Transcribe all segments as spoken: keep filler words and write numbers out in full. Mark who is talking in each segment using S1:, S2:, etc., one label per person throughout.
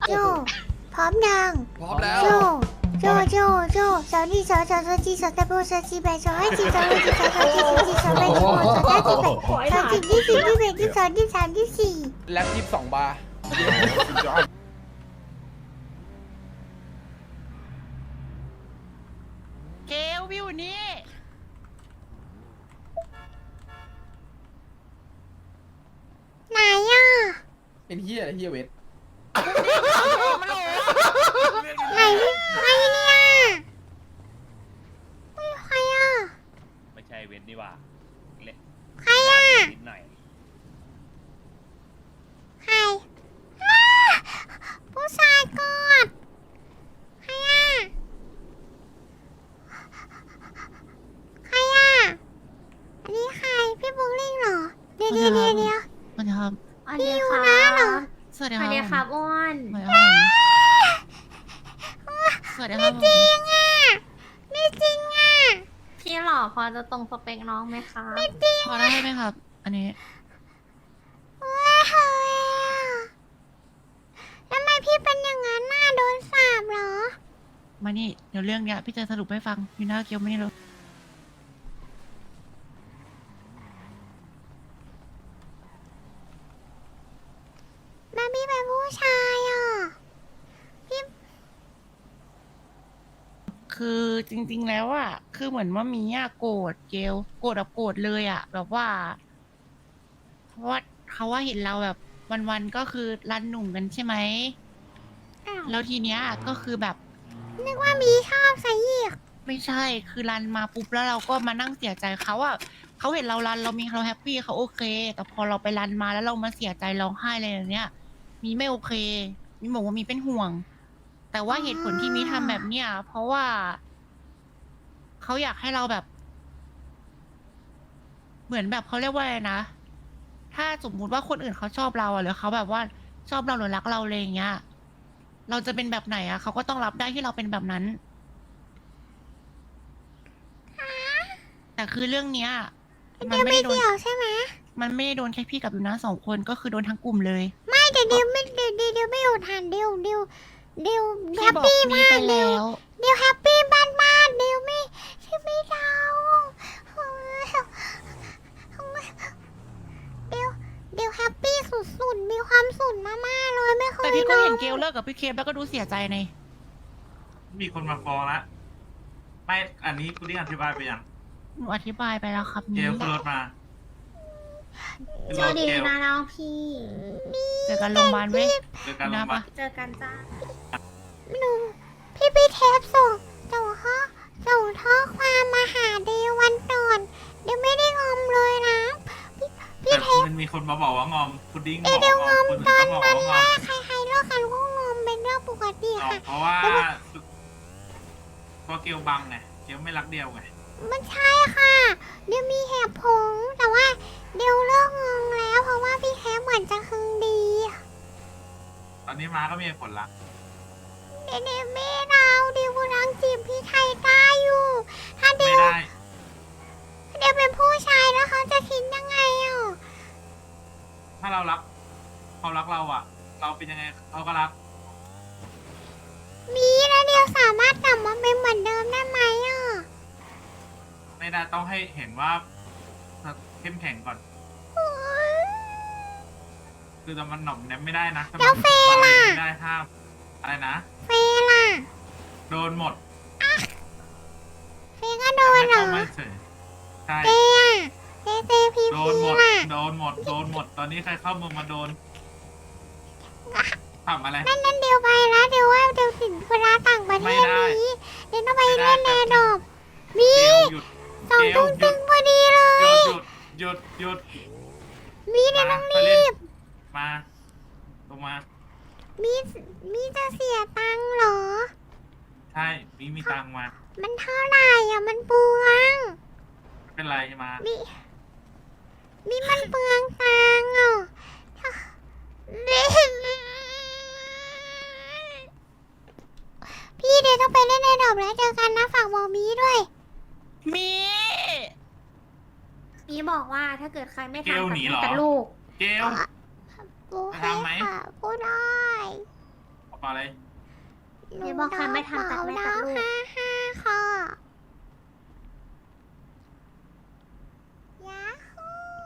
S1: โจพร้อมยัง
S2: พร้อมแล้ว
S1: โจโจโจโจสาวนี่สาวสาวสาวจีสาวตะโบสาวจีแบสาวให้จีสาวให้จีสาวสาวจีสาวจีสาวแบสาวสาวจีแบสาวจีที่สี่ที่แบที่สองที่สามที่สี่
S2: แล็บยี่สิบสองบาร์
S3: เกลวิวนี่
S1: ไหนอ่ะ
S2: เป็นเฮียอะไรเฮียเวท
S1: ไหนใครเนี่ยไม่ใครอ่ะ
S4: ไม่ใช่เว้นนี่หว่าเละ
S1: ใครอ่ะ
S4: นิดหน่อย
S1: ใครอ้าผู้ชายกอดใครอ่ะใครอ่ะอันนี้ใครพี่บุ๊กลิงเหรอเดี๋ยวเดี๋ยวเดี๋ยวเดี๋ยว
S3: สวัสดีครับ
S1: พี่อยู่นะเหรอ
S3: สวัสดี
S5: ส
S3: ค
S5: วั
S3: รับ
S5: สดีครับอ้วน
S3: สวัสดีครับสวัสดีครับ
S1: จริงอ่ะไม่จริงอ่ะ
S5: พี่หล่อพอจะตรงสเปคน้องไหมคะ
S3: พอได้ไหมครับ อันนี้
S1: ว้าวทำไมพี่เป็นอย่างนั้นหน้าโดนสาบเหรอ
S3: มานี่ เดี๋ยวเรื่องเนี้ยพี่จะสรุปให้ฟังอยู่หน้าเกียวไม่นี่เลย
S1: แม่พี่เป็นผู้ชายอ่ะพี่
S3: คือจริง ๆ แล้วอ่ะ คือเหมือนว่ามีอ่ะโกรธเกลโกรธแบบโกรธเลยอ่ะ แบบว่า เพราะว่าเขาว่าเห็นเราแบบวันๆก็คือรันหนุ่มกันใช่ไหม
S1: อ้าว
S3: แล้วทีเนี้ยก็คือแบบ
S1: นึกว่ามีชอบซะอีก
S3: ไม่ใช่ คือรันมาปุ๊บแล้วเราก็มานั่งเสียใจเขาอะเขาเห็นเรารันเรามีเราแฮปปี้เขาโอเค แต่พอเราไปรันมาแล้วเรามาเสียใจร้องไห้อะไรอย่างเนี้ย มีไม่โอเค มีบอกว่ามีเป็นห่วง แต่ว่าเหตุผลที่มีทำแบบเนี้ยเพราะว่าเขาอยากให้เราแบบ เหมือนแบบเขาเรียกว่าอะไรนะ ถ้าสมมุติว่าคนอื่นเขาชอบเราอะหรือเขาแบบว่าชอบเราหรือรักเราอะไรอย่างเงี้ย เราจะเป็นแบบไหนอะเขาก็ต้องรับได้ที่เราเป็นแบบนั้น แต่คือเรื่องเนี้ยมัน
S1: เดี๋ยว
S3: ไม่
S1: ไม่
S3: ได้โดน
S1: เกี่ยวใช่ไหม
S3: มันไม่ได้โดนแค่พี่กับยูนะสองคนก็คือโดนทั้งกลุ่มเลย
S1: ไม่แต่เดี๋ยวไม่เดี๋ยวเดี๋ยวเดี๋ยวไม่อุทานเดี๋ยวเดี๋ยวเดี๋ยวแฮ
S3: พี่
S1: ป
S3: บอก
S1: ปี้
S3: มี
S1: มาก
S3: ไป
S1: เดี๋ยว
S3: แล้ว
S1: เดี๋ยวแฮปปี้มากมากเดี๋ยวไม่ใช่ไม่เดาเดี๋ยวเดี๋ยวแฮปปี้สุดๆมีความสุขมากๆเลยไม่เค
S3: แต่
S1: ย
S3: พี่ก็
S1: เดา
S3: เห็นเกลเลิกกับพี่เคมแล้วก็ดูเสียใจใน
S6: มีคนมาฟ้องละไม่อันนี้คุณได้อธิบายไปยัง
S3: หนูอธิบายไปแล้วครับ
S6: เก
S3: นี้
S6: ลขึ้นรถมาขึ้น
S5: ส
S6: ร
S5: วัส
S6: ถ
S5: ดี
S6: เกล
S5: นะน้องพี่
S3: เจอกันโรงพยาบาลเว้ย
S6: เจอกันล
S3: นะ
S6: งมา
S3: ปะ
S5: เจอกันจ้า
S1: หนูพี่พี่เทปส่งส่งข้อส่งข้อความมาหาเดววันก่อนเดี๋ยวไม่ได้งอมเลยนะพี่พี่
S6: แต่
S1: เทป
S6: มันมีคนมาบอกว่างอมพุดดิ้งบ
S1: เอ
S6: อก
S1: เดี๋ยว
S6: ว่าง
S1: ง
S6: อ
S1: อ
S6: ม
S1: ม
S6: คนอื่
S1: ต
S6: น
S1: อน
S6: ก็บอก
S1: นั้น
S6: ว่างอ
S1: ว่าม ใครใครเลิกกันก็งอมเป็นเรื่องปกติ
S6: เอา
S1: ค่ะ
S6: เพราะว่าเพราะเกลบังไงเกลไม่รักเดียวไง
S1: มันใช่ค่ะเดี๋ยวมีเหตุผลแต่ว่าเดี๋ยวเลิกงงแล้ว เพราะว่าพี่เทปเหมือนจะคึงดี
S6: ตอนนี้มาก็มีเหตุผลละ
S1: เดี๋ยวเดี๋ยวไม่เราเดี๋ยวกำลังจีบพี่ไทยได้อยู่ ถ้าเดี๋
S6: ไม่
S1: ยว
S6: ได้
S1: เดี๋ยวเป็นผู้ชายแล้วเขาจะคิดยังไงอ่ะ
S6: ถ้าเรารักเขารักเราอ่ะ เราเป็นยังไงเขาก็รัก
S1: มีแล้วเดี๋ยวสามารถกลับมาเป็นเหมือนเดิมได้ไหมอ่ะ
S6: ไม่ได้ต้องให้เห็นว่าเข้มแข็งก่อน คือแต่มันหน่อมแนมไม่ได้นะถ้ามันไม่ได้ห้ามอะไรนะ
S1: เฟล่ะ
S6: โดนหมด
S1: เฟก็โดนเหรอ
S6: ไม่เฉยใช่
S1: เฟอ่ะเฟเฟพี
S6: โด
S1: พี
S6: นหมด
S1: ล่ะ
S6: โดนหมด โดนหมด ตอนนี้ใครเข้าเมืองมาโดนทำอะไร
S1: นั่นนั่นเดี๋ยวไปแล้วเดี๋ยวว่าเดี๋ยวถึงเวลาต่างประเท
S6: ไม่
S1: ศ
S6: ได้
S1: นี้เดี๋ยวต้องไป
S6: ไม่ได้
S1: เล่นแนดอบมี
S6: เกลหยุด
S1: สอง
S6: เกล
S1: ตุ้ง
S6: หยุ
S1: ตึ
S6: ด
S1: งพอดีเล
S6: หยุ
S1: ย
S6: ดหยุดหยุดหยุด
S1: มีเดี๋ยว
S6: มา
S1: ต้อง
S6: ไป
S1: รี
S6: เล่น
S1: บ
S6: มาลงมา
S1: มีมีจะเสียตังค์เหรอ
S6: ใช่ มีมีตังค์มา
S1: มันเท่าไหร่อ่ะมันเปลือง
S6: ไม่เป็นไรมา
S1: มีมีมันเปลืองตังค์อ่ะพี่เดี๋ยวต้องไปเล่นในดอบแล้วเจอกันนะฝากบอกมีด้วย
S3: มี
S5: มีบอกว่าถ้าเกิดใครไม่
S6: เกล
S5: ทำกับ
S6: หนี
S5: แม่
S6: เหรอ
S5: กับลูก
S6: เกล
S1: กู
S6: จะ
S1: ให้
S6: ทำไหม
S1: ค่ะกูได้
S6: เปล่าเลย
S1: หนู
S5: เดี๋ยวบอกใครไม่ทันตัดแม่ตัดลูก
S1: ห้าห้าค่ะยาฮู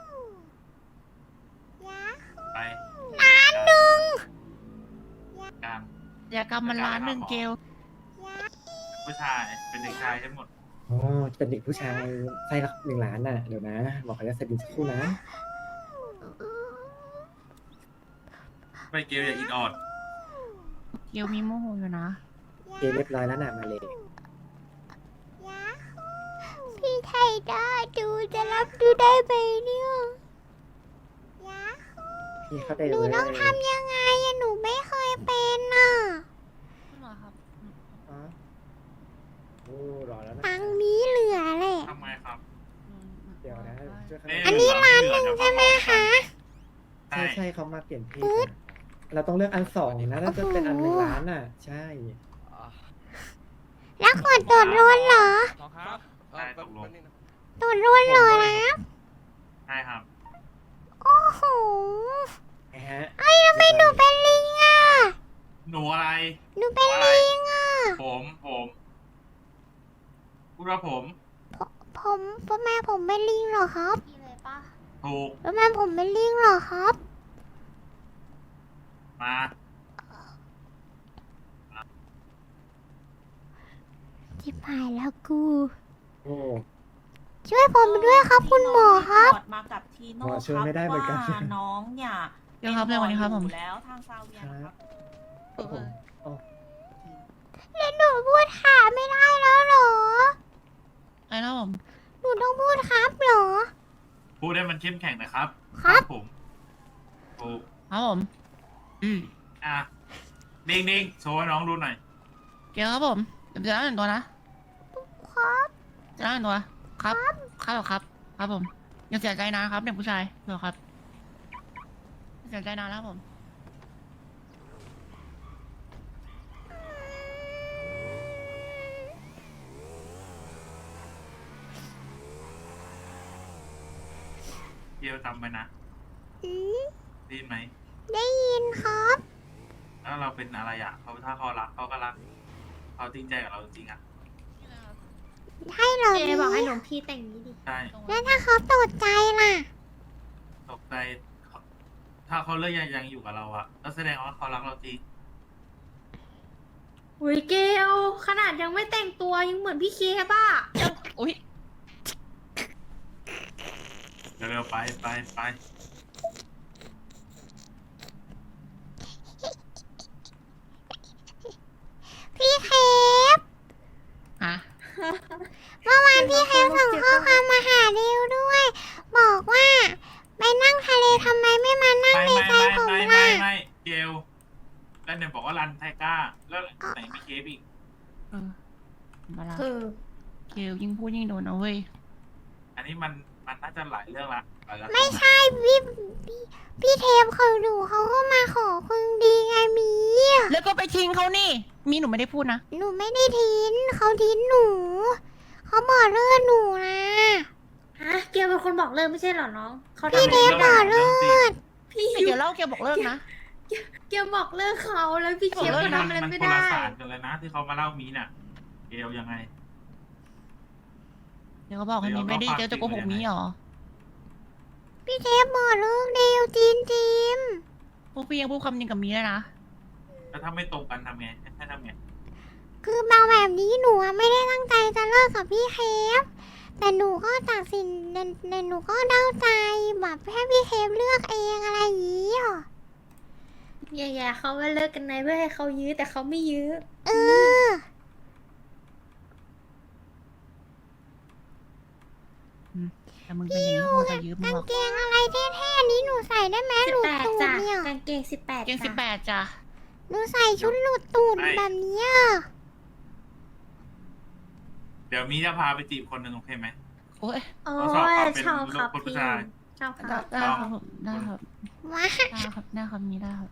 S1: ยาฮู
S6: ไป
S1: ล้านหนึ่ง
S6: กลาง
S3: อย่ากำมันล้านหนึ่งเกล
S1: ยา
S6: ผู้ชายเป็นเด็กชายทั้งหมด
S7: อ๋อเป็นเด็กผู้ชายไส้ละหนึ่งล้านน่ะ เดี๋ยวนะ บอกเขาจะสดินสักครู่นะ
S6: ไปเกลอย่าอิดออด
S3: เกลมีโมโหอยู่นะ
S7: เกเรียบร้อยแล้วน่ะ มาเลย
S1: ยาฮูพี่ไทยได้ดูจะรับดูได้ไหมเนี่ยยาฮู
S7: พี่เข้าใจ
S1: ห
S7: เล
S1: นู
S7: ย
S1: ต้องทำยังไงอะหนูไม่เคยเป็นน่ะ
S7: อ๋อโอ้รอแล้วนะ
S1: ตังค์นี้เหลือแหละ
S6: ทำไมครับ
S7: เดี๋ยวนะช่วยเขา
S6: เะ
S1: อันนี้ร้านหนึ่งใช่ไหมคะ
S6: ใช่
S7: ใช่ใช่เขามาเปลี่ยนเพศนะเราต้องเลือกอันสองนะน่าจะเป็นอันหนึ่งล้านน่ะ ใช่
S1: แล้วกดตรวจรวนเหรอ
S2: น้องครับ
S6: ใช่ตกลง
S1: ตรวจรวนเหรอนะ
S6: ใช่ครับ
S1: โอ้โห
S7: นะฮะ
S1: เอ้ยทำไมหนูเป็นลิงอ่ะ
S6: หนูอะไร
S1: หนูเป็นลิงอ่ะ
S6: ผมผมพูดว่าผม
S1: ผมทำไมผมเป็นลิงเหรอครับ
S5: นี่เลยปะ
S6: ถูก
S1: ทำไมผมเป็นลิงเหรอครับ
S6: มา
S1: ที่หายแล้วกู
S7: โอ้
S1: ช่วยผมด้วยครับคุณหมอครับ
S8: น้งมากับทีโน่
S7: หมอช่วย
S8: ครับ
S7: ไม่ได้เหมือนกัน
S8: ว่าน้องเนี่ย
S3: เดี๋ยวครับเร็วกว่านี้ครับผม
S8: อยู่แล้วทางซาเวียนะครับ
S7: ผมอ๋อ
S1: แล้วหนูพูดขาไม่ได้แล้วเหรอ
S3: ไอ้แล้วผม
S1: หนูต้องพูดครับเหรอ
S6: พูดให้มันเข้มแข็งนะครับ
S1: ครับ
S6: ผมถูก
S3: ครับผม อืม
S6: อ่ะนิ่งๆโชว์ให้น้องดูหน่อย
S3: เกลครับผมเดี๋ยวจะได้หนึ่งตัวนะครับ จะได้หนึ่งตัวครับ ครับเหรอครับ ครับผมอย่าเสียใจนะครับเด็กผู้ชายเหรอครับอย่าเสียใจนานแล้วครับผม
S6: เกลจำไว้นะ
S1: อืม
S6: ได้ยินไหม
S1: ได้ยินครับ
S6: แล้วเราเป็นอะไรอ่ะเขาถ้าเขารักเขาก็รักเขาจริงใจกับเราจริงๆอ่ะ
S1: ให้เหรอ
S5: เจ
S1: พี่
S5: บอกให้หลวงพี่แต่งนี้ดิ
S6: ใช่
S1: แล้วถ้าเขาตกใจล่ะ
S6: ตกใจเขาถ้าเขาเลือกยังยังอยู่กับเราอ่ะก็แสดงว่าเขารักเราจริง
S5: อุ้ยเกลขนาดยังไม่แต่งตัวยังเหมือนพี่เคป่ะ
S3: อุ้ย
S6: เร็วๆไปไปไป
S1: พี่เคฟ
S3: ฮะ
S1: เมื่อวานพี่เคฟส่งข้อความมาหาเดียวด้วย บอกว่าไปนั่งทะเลทำไมไม่มานั่ง
S6: ไม่
S1: ใน
S6: ไม่
S1: ใจ
S6: ไม่
S1: ผม
S6: ไม่ไม่
S1: ล่ะ
S6: ไม่เกลแล้วเนี่ยบอกว่ารันไทก้า แล้วไหนมีเคฟอีก
S3: เออมาละ
S5: เออ
S3: เกลยิ่งพูดยิ่งโดนเอาเว้ย
S6: อันนี้มันมันน่าจะหลายเรื่องละหลายเรื่อง
S1: ไม่ใช่พี่พี่พี่เทปเขาดูเขาก็มาขอคุณดีไงมี
S3: แล้วก็ไปทิ้งเขานี่ มีหนูไม่ได้พูดนะ
S1: หนูไม่ได้ทิ้งเขาทิ้งหนู เขาบอกเลิกหนูนะ
S5: ฮะ เกลเป็นคนบอกเลิกไม่ใช่เหรอน้อง เขา
S1: พี่
S5: ทำ
S1: เทปบอกเลิก
S5: พี่
S3: แต่เกลเล่าเกลบอกเลิกนะ
S5: เกลบอกเลิกเขาแล้วพี่เค
S3: บอก
S5: ฟ
S3: เลิ
S5: ก็
S3: ก
S5: ทำอะไร
S6: มัน
S5: ไม่
S6: คน
S5: ได้
S6: ละสารกันเลยนะ ที่เขามาเล่ามีน่ะ เกลยังไง
S3: เดี๋ยวเขาบอกให้มีไม่ได้เกลจะโกหกมีเหรอ
S1: พี่เทปบอกเลิกเดียวจีนจีม
S3: พวกพี่ยังพูดคำนึงกับมีเลยนะ
S6: แล้วถ้าไม่ตรงกันทำไงให้ทำไง
S1: คือบางแบบนี้หนูอะไม่ได้ตั้งใจจะเลิกกับพี่เคฟแต่หนูก็ตัดสินในในหนูก็เดาใจแบบให้พี่เคฟเลือกเองอะไรอย่างนี้หรอ
S5: แย่ๆเขาว่าเลิกกันในเพื่อให้เขายื้อแต่เขาไม่ยื้อ
S1: เออ
S3: แต่มึงเป็นอย่างนี้กูจะยืมมึ
S1: กาง ง
S3: หรอก
S1: เกงอะไรเท่ๆนี้หนูใส่ได้ไหม
S5: สิ
S1: ห
S5: บ
S1: ลุด
S5: แปด
S1: ตูด
S5: จ้ะ
S1: เนี่ย
S5: กางเกงสิบแปด
S3: เกงสิบแป
S5: จ้ะ
S3: ดจ้ะ
S1: หนูใส่ชุดหลุดตูดแบบเนี้ย
S6: เดี๋ยวมีจะพาไปจีบคนหนึ่งโอเคไหม
S3: โอ้ย
S5: โอ้
S6: ทดสอบ
S5: ย
S6: ความเป็น
S5: ชอบครับ
S6: ลูกผู้
S5: พี่
S6: ชาย
S5: ชอบค
S3: ได้
S5: รับ
S3: ได้ครับผมได้ครับ
S1: ว้า
S3: ได้ครับได้ครับมีได้ครับ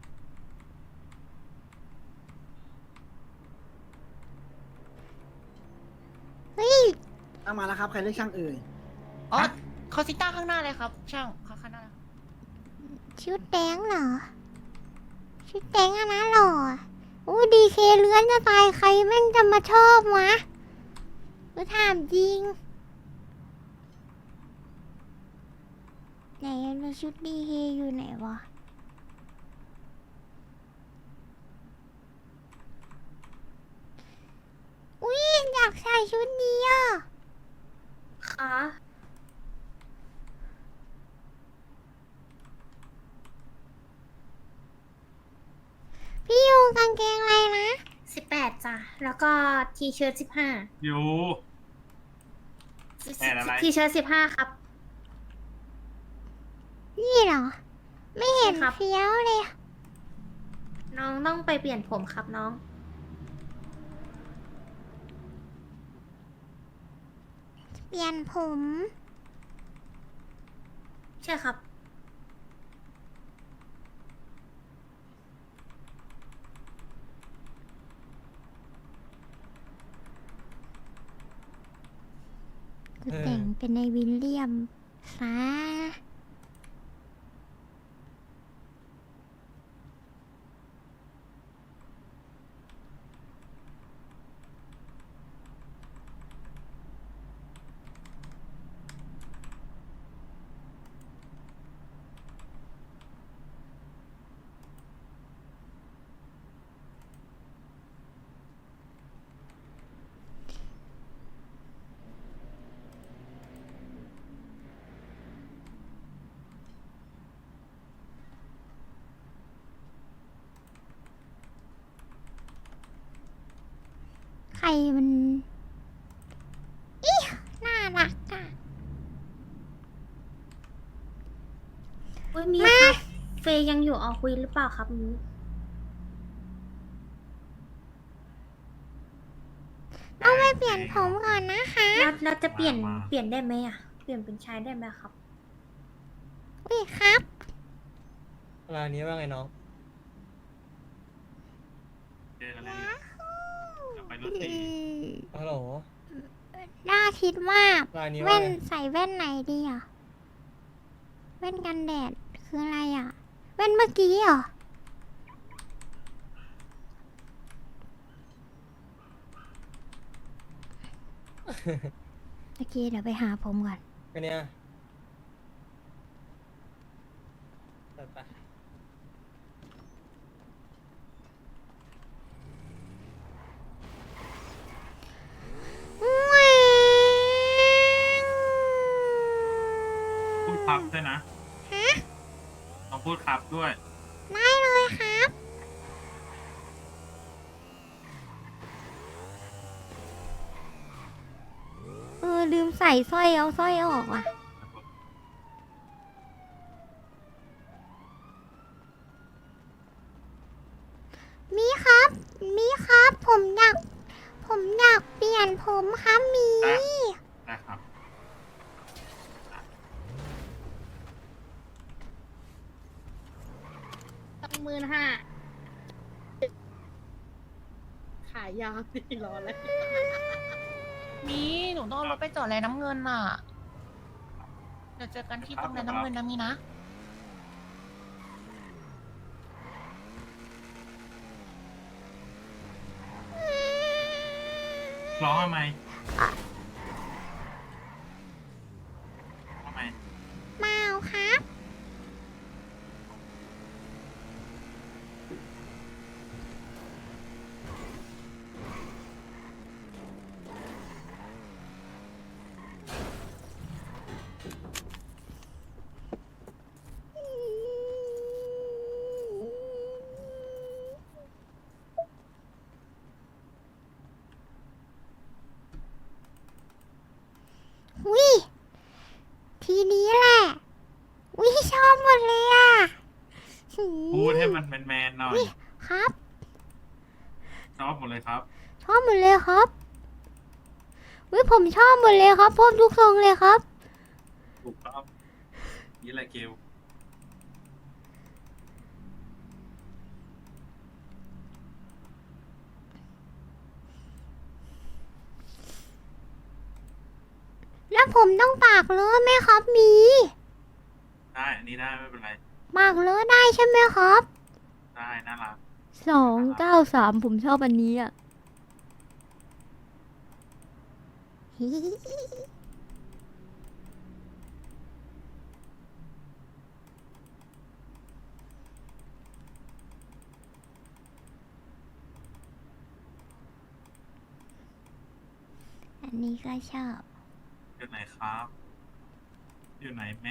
S1: เฮ้ย
S9: เอามาแล้วครับ ใครเรียกช่างเอ่ย
S3: อ๋อเขาซิต้าข้างหน้าเลยครับ ช่างเขาข้างหน้าเลยครับ
S1: ชุดแดงเหรอ ชุดแดงอะนะหล่อเคเลื้อนจะตายใครแม่งจะมาชอบวะกูถามจริงไหนแล้วชุดดีเคอยู่ไหนวะอุ้ยอยากใส่ชุดนี้อ่ะ
S5: คะ
S1: พี่ยูกางเกงอะไรนะ
S5: สิบแปดจ้ะ แล้วก็ทีเชิ้ตสิบห้า
S6: อยู่ แปดอะไร
S5: ทีเชิ้ตสิบห้าครับ
S1: นี่เหรอ ไม่เห็น
S5: ใช่ครับ
S1: เฟี้ยวเลย
S5: น้องต้องไปเปลี่ยนผมครับน้อง
S1: เปลี่ยนผม
S5: ใช่ครับ
S1: กูแต่งเป็นในวิลเลียมซะใครมันอีน่ารักอ่ะ
S5: อุ้ยมีครับ เฟยยังอยู่ออคุยหรือเปล่าครับมี
S1: ต้องไปเปลี่ยนผมก่อนนะคะ
S5: แล้วเราจะเปลี่ยนเปลี่ยนได้ไหมอ่ะ เปลี่ยนเป็นชายได้ไหมครับ
S1: อุ้ยครับ
S7: เวลานี้ว่าไงน้อง
S6: เจอกันแล้วจะไปรถตี
S7: ฮัลโหล
S1: น่าคิดว่า
S7: ลายนี้
S1: แว่
S7: ว่าน ไง
S1: ใส่แว่นไหนดีอ่ะ แว่นกันแดดคืออะไรอ่ะ แว่นเมื่อกี้เหรอ โอเคเดี๋ยวไปหาผมก่อน
S7: กันเนี่ยไปไป
S6: พูดครับด้วยนะ
S1: ฮะ
S6: ต้องพูดครับด้วย
S1: ได้เลยครับ เออ ลืมใส่สร้อยเอาสร้อยออกอ่ะ มีครับ มีครับ ผมอยาก ผมอยากเปลี่ยนผมครับมี
S6: ได้ ได้ครับ
S5: ตั้งหมื่นห้า ขายยาสิรอเลย
S3: มีหนูต้องเอารถไปจอดแลน้ำเงินน่ะ เดี๋ยวเจอกันที่ตรงแลน้ำเงินนะมีนะ
S6: ร้องทำไมทำไม
S1: เมาครับ วิทีนี้แหละ วิชอบหมดเลยอ่ะหืม
S6: พูดให้มันแมนๆหน่อย
S1: วิครับ
S6: ชอบหมดเลยครับ
S1: ชอบหมดเลยครับ วิผมชอบหมดเลยครับพบทุกทรงเลยครับ
S6: ถูกต้องนี่แหละเกล
S1: แล้วผมต้องปากเลอะไหมครับมี
S6: ได้ อันนี้ได้ไม่เป็นไร
S1: ปากเลอะได้ใช่ไหมครับ
S6: ได้น่ารัก
S1: สองเก้าสามผมชอบอันนี้อ่ะ อันนี้ก็ชอบ
S6: อยู่ไหนครับ อยู่ไหนแม่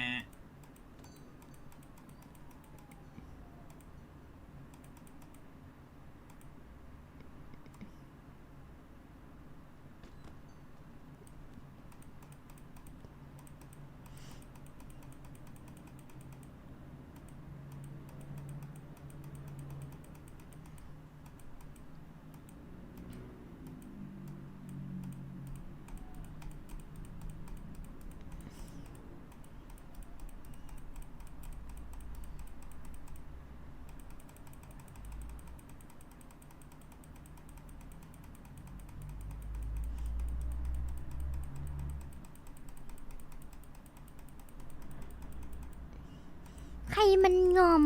S1: ใครมันงอม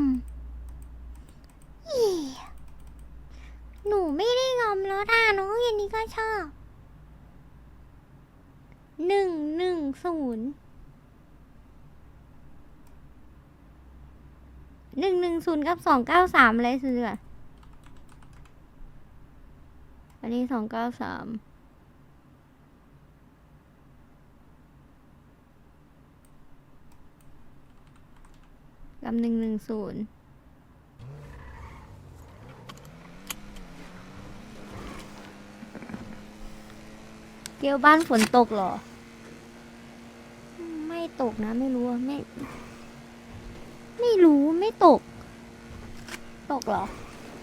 S1: อีหนูไม่ได้งอมแล้วด่าน้องอย่างนี้ก็ชอบ หนึ่งหนึ่งศูนย์ หนึ่งหนึ่งศูนย์กับสองเก้าสามอะไรซื้ออะอันนี้สองเก้าสาม กับหนึ่งหนึ่งศูนย์เกียวบ้านฝนตกเหรอ ไม่ตกนะไม่รู้อะไม่ ไม่รู้ไม่ตก ตกเหรอ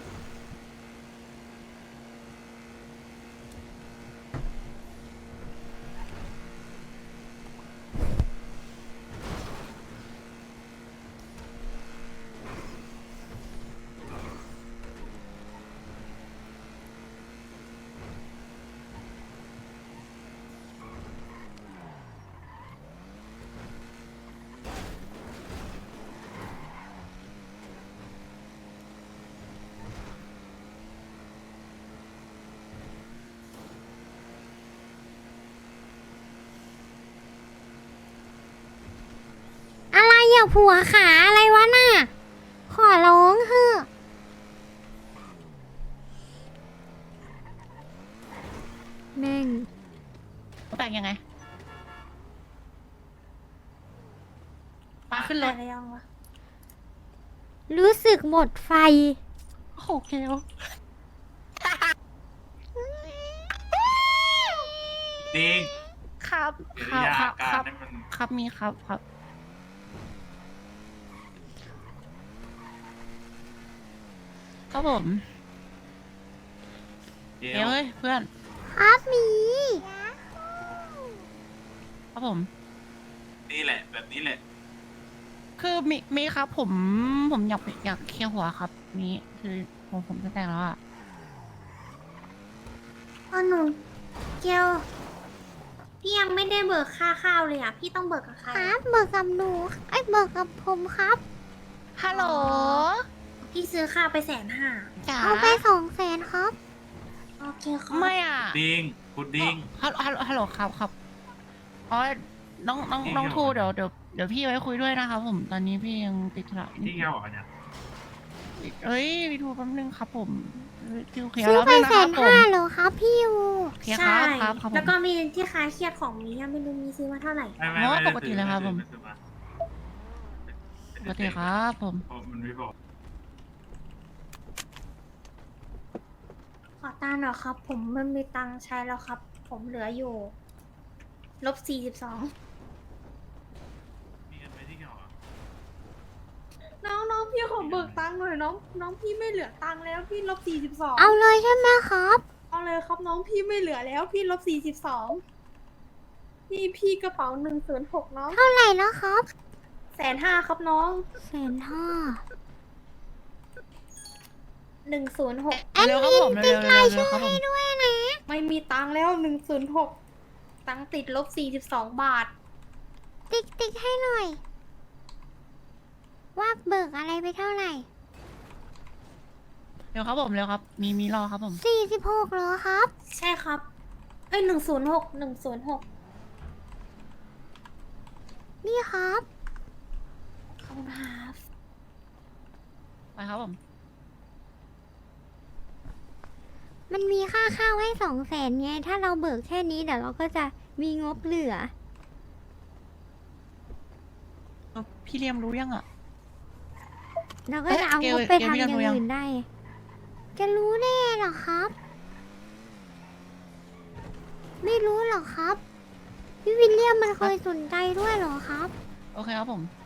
S1: อะไรอ่ะผัวขาอะไรวะน่ะ ขอร้องเถอะแม่ง
S3: แปลกยังไงมาขึ้นรถ
S8: อะไรยังวะ
S1: รู้สึกหมดไฟ
S3: โอเคโอ
S6: จริง
S3: ครับ
S6: กิ
S3: ค
S6: ริ
S3: รับ
S6: ยา
S3: ครั
S6: อา
S3: บ
S6: กา
S3: ค
S6: ร
S3: รับ
S6: นี่มัน
S3: ครับมีครับครับ ครับผม
S6: เดี๋ย
S3: เดี๋ยว
S6: ว
S3: เฮ้ยเพื่อน
S1: ครับหมี
S3: ครับผม
S6: นี่แหละ แบบนี้แหละ
S3: คือมีมีครับผมผมอยากอยากเคลียร์หัวครับนี่คือผมผมจะแต่งแล้วอ่ะ
S5: อ๋อหนูเกียวพี่ยังไม่ได้เบิกค่าข้าวเลยอ่ะ พี่ต้องเบิกกับใคร
S1: ค
S5: อะ
S1: รับเบิกกับหนูไอ้ยเบิกกับผมครับ
S3: ฮัลโหล
S5: พี่ซื้อข้าวไปแสนห้า
S3: จ๋า
S1: เอาไปสองแสนครับ
S5: โอเคครับ
S3: ไม่อ่ะ
S6: ดิ้งพุดดิ้ง
S3: ฮัลฮัลฮัลโหลครับครับอ๋อน้องน้อง
S6: นี่
S3: น้อง
S6: ไง
S3: ทู
S6: วะ
S3: เดี๋ยวเดี๋ยวเดี๋ยวพี่ไว้คุยด้วยนะครับผมตอนนี้พี่ยังติดธุระนิ
S6: ที่
S3: ด
S6: แกบอกเนี่ย
S3: เอ้ยพี่ทูแป๊บนึงครับผมคิวเคลียร์
S1: ซื้อ
S3: แล้ว
S1: ไป
S3: นึงนะ
S1: แส
S3: ครั
S1: น
S3: บผ
S1: ห้าม เหรอครับพี่ยู
S3: เคลียร์ค
S5: ใช่
S3: รับครับครับผม
S5: แล้วก็มีที่คลายเครียดของมียังไม่รู้มีซื้อมาเท่าไหร่
S6: ไม่ไม่
S3: อ๋อ
S6: ไม่ได้
S3: ปกติเลยครับผม
S6: ไซื้อมา
S3: ปกติครับผม
S6: เพราะมันไม่บอก
S5: ขอตังค์หน่อยครับ ผมไม่มีตังค์ใช้แล้วครับ ผมเหลืออยู่ลบสี่สิบสอง
S6: มีเงินไปที่แกบอกอะ
S8: น้องน้องพี่ขอเบิกตังค์หน่อยน้องน้องพี่ไม่เหลือตังค์แล้วพี่ลบสี่สิบสอง
S1: เอาเลยใช่ไหมครับ
S8: เอาเลยครับน้องพี่ไม่เหลือแล้วพี่ลบสี่สิบสองนี่พี่กระเป๋าหนึ่งศูนย์หกน้อง
S1: เท่าไหร่นะครับ
S8: แสนห้าครับน้อง
S1: แสนห้า
S5: หนึ่งศูนย์หก
S1: แอด
S3: เร็วครับ
S1: มิน
S3: ผม
S1: ติ๊
S3: เร็
S1: ก
S3: ว
S1: ราย
S3: เร็ว
S1: ชื่อ
S3: ครับผ
S1: ให้
S3: ม
S1: ด้วยนะ
S8: ไม่มีตังค์แล้วหนึ่งศูนย์หกตังค์ติดลบสี่สิบสองบาท
S1: ติ๊กติ๊กให้หน่อย ว่าเบิกอะไรไปเท่าไหร่
S3: เร็วครับผมเร็วครับ มีมีรอครับผม
S1: สี่สิบหกเหรอครับ
S5: ใช่ครับ เอ้ยหนึ่งศูนย์หกหนึ่งศูนย์หก
S1: นี่ครับ
S5: ขอบคุณครับ
S3: ไปครับผม
S1: มันมีค่าข้าวให้สองแสนไง ถ้าเราเบิกแค่นี้เดี๋ยวเราก็จะมีงบเหลือ
S3: พี่เลียมรู้ยังอ่ะ
S1: เราก็จะเอา
S3: เอ๊ะ
S1: งบ
S3: เกล
S1: ไปทำ
S3: เกล
S1: อย่าง
S3: รู้ยัง
S1: อื่นได้ จะรู้แน่เหรอครับ ไม่รู้หรอครับ พี่วิลเลียมมันเคยสนใจด้วยเหรอครับ
S3: โอเคครับผม